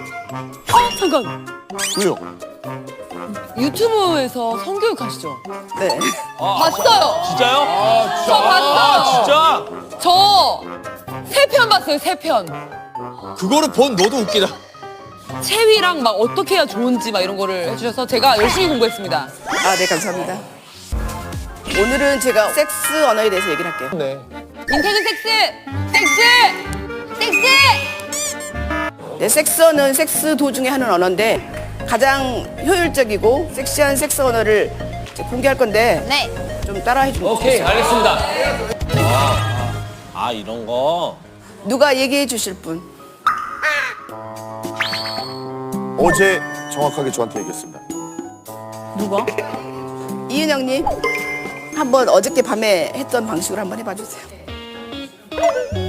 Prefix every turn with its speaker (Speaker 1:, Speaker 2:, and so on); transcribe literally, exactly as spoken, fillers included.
Speaker 1: 아 잠깐.
Speaker 2: 왜요?
Speaker 1: 유튜브에서 성교육 하시죠?
Speaker 3: 네.
Speaker 1: 봤어요.
Speaker 4: 진짜요? 아,
Speaker 1: 저 봤어요.
Speaker 4: 진짜?
Speaker 1: 저 세 편 봤어요. 세 편.
Speaker 4: 그거를 본 너도 웃기다.
Speaker 1: 체위랑 막 어떻게 해야 좋은지 막 이런 거를 해주셔서 제가 열심히 공부했습니다.
Speaker 3: 아, 네, 감사합니다. 오늘은 제가 섹스 언어에 대해서 얘기를 할게요.
Speaker 4: 네.
Speaker 1: 인테그 섹스! 섹스! 섹스!
Speaker 3: 네, 섹스 언어는 섹스 도중에 하는 언어인데 가장 효율적이고 섹시한 섹스 언어를 이제 공개할 건데
Speaker 1: 네.
Speaker 3: 좀 따라해 주면
Speaker 4: 오케이,
Speaker 3: 좋겠어요.
Speaker 4: 알겠습니다. 아, 아, 이런 거.
Speaker 3: 누가 얘기해 주실 분?
Speaker 2: 어제 정확하게 저한테 얘기했습니다.
Speaker 1: 누가?
Speaker 3: 이은영님, 한번 어저께 밤에 했던 방식으로 한번 해봐 주세요.